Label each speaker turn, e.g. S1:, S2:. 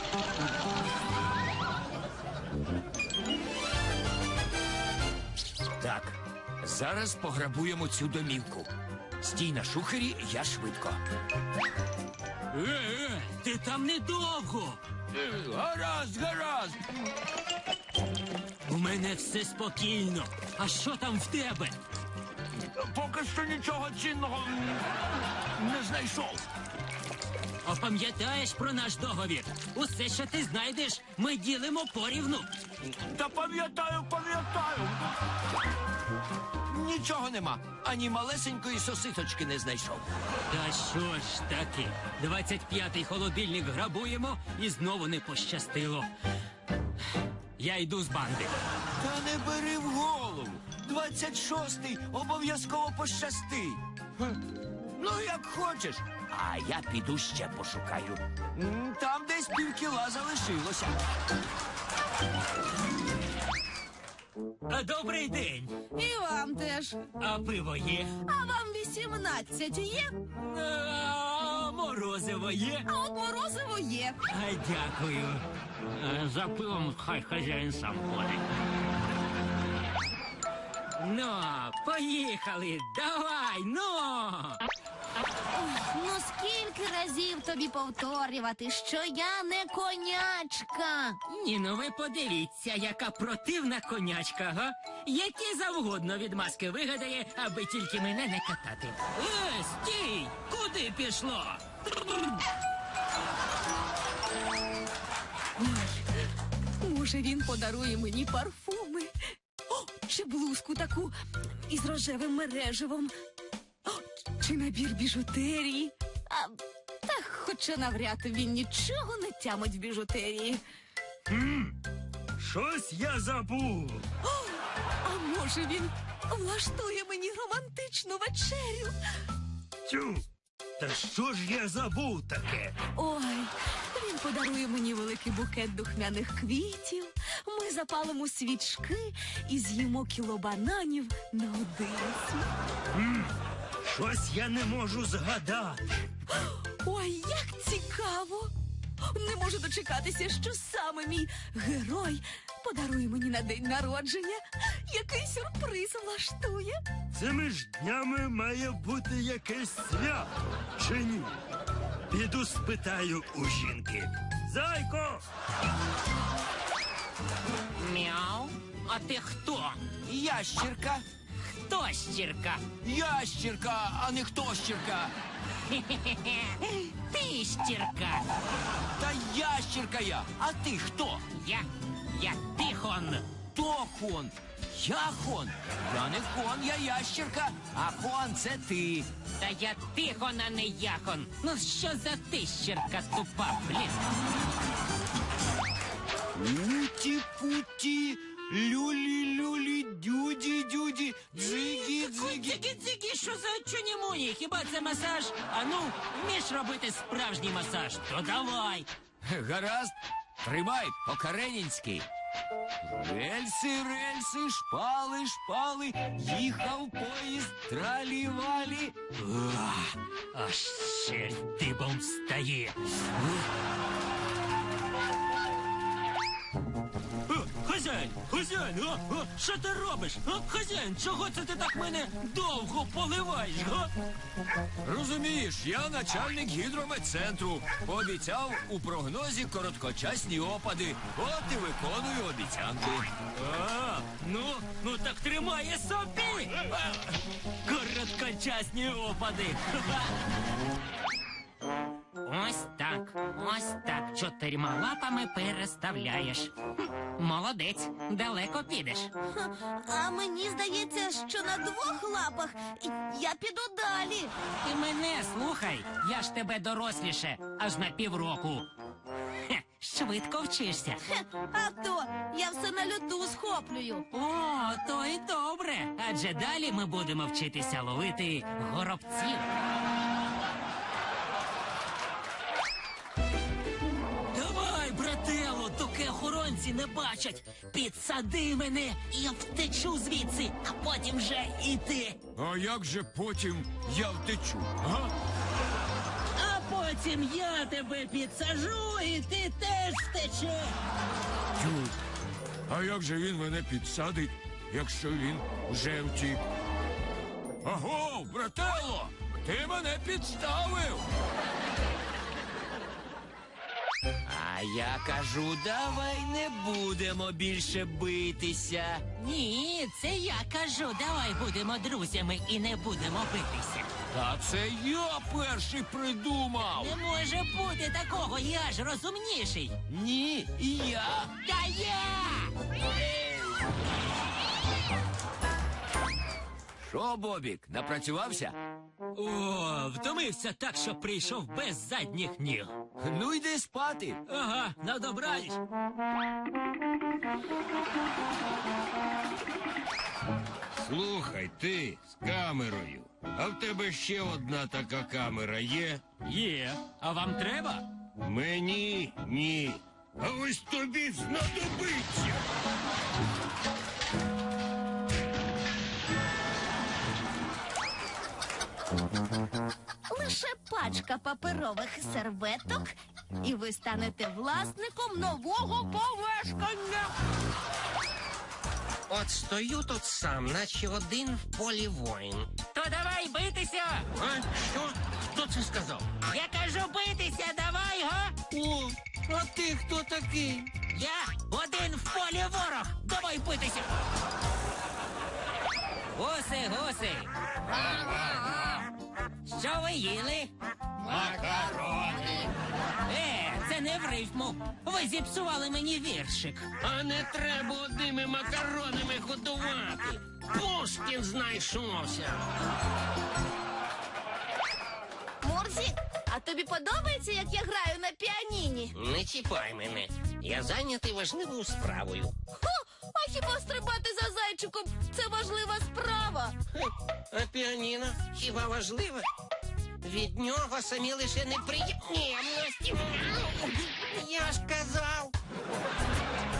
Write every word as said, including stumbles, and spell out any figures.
S1: Так, зараз пограбуємо цю домівку. Стій на шухері, я швидко.
S2: Е, е, ти там недовго.
S1: Е, гаразд, гаразд.
S2: У мене все спокійно. А що там в тебе?
S1: Поки що нічого цінного не знайшов.
S2: А пам'ятаєш про наш договір? Усе, що ти знайдеш, ми ділимо порівну.
S1: Та пам'ятаю, пам'ятаю. Нічого нема. Ані малесенької сосисочки не знайшов.
S2: Та що ж таки? двадцять п'ятий холодильник грабуємо і знову не пощастило. Я йду з банди.
S1: Та не бери в голову. двадцять шостий обов'язково пощастить. Ну, як хочеш. А я піду ще пошукаю. М, Там десь півкіла залишилося.
S2: А добрий день.
S3: І вам теж.
S2: А пиво є?
S3: А вам вісімнадцять є?
S2: А морозиво є?
S3: А от морозиво є.
S2: А, дякую. А, за пивом хай хазяїн сам ходить. Ну, поїхали, давай, ну!
S3: Ну скільки разів тобі повторювати, що я не конячка?
S2: Ні, ну ви подивіться, яка противна конячка, га? Які завгодно відмазки вигадає, аби тільки мене не катати. Е, стій! Куди пішло?
S3: Може, він подарує мені парфуми? О, чи блузку таку із рожевим мереживом? О, чи набір біжутерії? А, та хоча навряд він нічого не тямить в біжутерії.
S2: Щось я забув.
S3: О, а може він влаштує мені романтичну вечерю?
S2: Тю, та що ж я забув таке?
S3: Ой, він подарує мені великий букет духмяних квітів, ми запалимо свічки і з'їмо кіло бананів наодинці.
S2: Щось я не можу згадати.
S3: Ой, як цікаво! Не можу дочекатися, що саме мій герой подарує мені на день народження. Який сюрприз влаштує?
S4: Цими ж днями має бути якесь свято, чи ні? Піду спитаю у жінки. Зайко!
S2: Мяу, а ти хто?
S1: Ящірка.
S2: Хто щірка?
S1: Ящірка, а не хто щірка.
S2: Ти щірка.
S1: Та ящірка я. А ти хто?
S2: Я, я Тихон.
S1: Хто хон? Я хон. Я не хон, я ящірка, а хон це ти.
S2: Та я Тихон, а не Яхон. Ну що за ти щірка тупа, блін?
S1: Уті-путі, люлі-люлі, дюді-дюді, дзигі-дзигі.
S2: Дзигі-дзигі, що за чуні-муні? Хіба це масаж? А ну, вмієш робити справжній масаж? То давай.
S1: Гаразд, тримай по-каренінськи. Рельси, рельси, шпали, шпали, їхав поїзд, тралі-валі.
S2: Ах, аж ще дибом встає. Хазяїн, хазяїн, а? А? Що ти робиш? А? Хазяїн, чого це ти так мене довго поливаєш, га?
S1: Розумієш, я начальник гідрометцентру. Пообіцяв у прогнозі короткочасні опади. От і виконую обіцянки.
S2: А, ну, ну так тримає собі. А, короткочасні опади. Ось так, ось так. Чотирма лапами переставляєш. Хм, молодець, далеко підеш.
S3: А мені здається, що на двох лапах я піду далі.
S2: Ти мене слухай, я ж тебе доросліше, аж на півроку. Хе, швидко вчишся.
S3: Хе, а то я все на льоту схоплюю.
S2: О, то й добре. Адже далі ми будемо вчитися ловити горобців. Давай, брателло, доки охоронці не бачать. Підсади мене, і я втечу звідси, а потім вже і ти.
S1: А як же потім я втечу? А?
S2: А потім Потім я тебе підсажу, і ти теж втечеш.
S1: Тю, а як же він мене підсадить, якщо він вже втік? Аго, брателло, ти мене підставив. А я кажу, давай не будемо більше битися.
S2: Ні, це я кажу, давай будемо друзями і не будемо битися.
S1: Та це я перший придумав.
S2: Не може бути такого, я ж розумніший.
S1: Ні, я.
S2: Та я!
S1: Що, Бобік, напрацювався?
S2: О, втомився так, що прийшов без задніх ніг.
S1: Ну йди спати.
S2: Ага, на добраніч.
S5: Слухай, ти з камерою. А в тебе ще одна така камера є?
S2: Є. А вам треба?
S5: Мені ні. А ось тобі знадобиться.
S3: Лише пачка паперових серветок, і ви станете власником нового помешкання.
S6: От стою тут сам, наче один в полі воїн.
S2: То давай битися!
S6: А що? Хто це сказав?
S2: Я кажу битися, давай, га?
S6: О, а ти хто такий?
S2: Я один в полі ворог. Давай битися. Гуси, гуси. Що ви їли?
S5: Макарони.
S2: Е, це не в рифму. Ви зіпсували мені віршик.
S6: А не треба одними макаронами годувати. Пушкін знайшовся.
S3: Мурзі, а тобі подобається, як я граю на піаніні?
S6: Не чіпай мене. Я зайнятий важливою справою.
S3: Хо, а хіба стрибати за зайчиком – це важлива справа?
S6: Хе, А піаніно хіба важливе? Від нього самі лише неприємності. Я ж казав.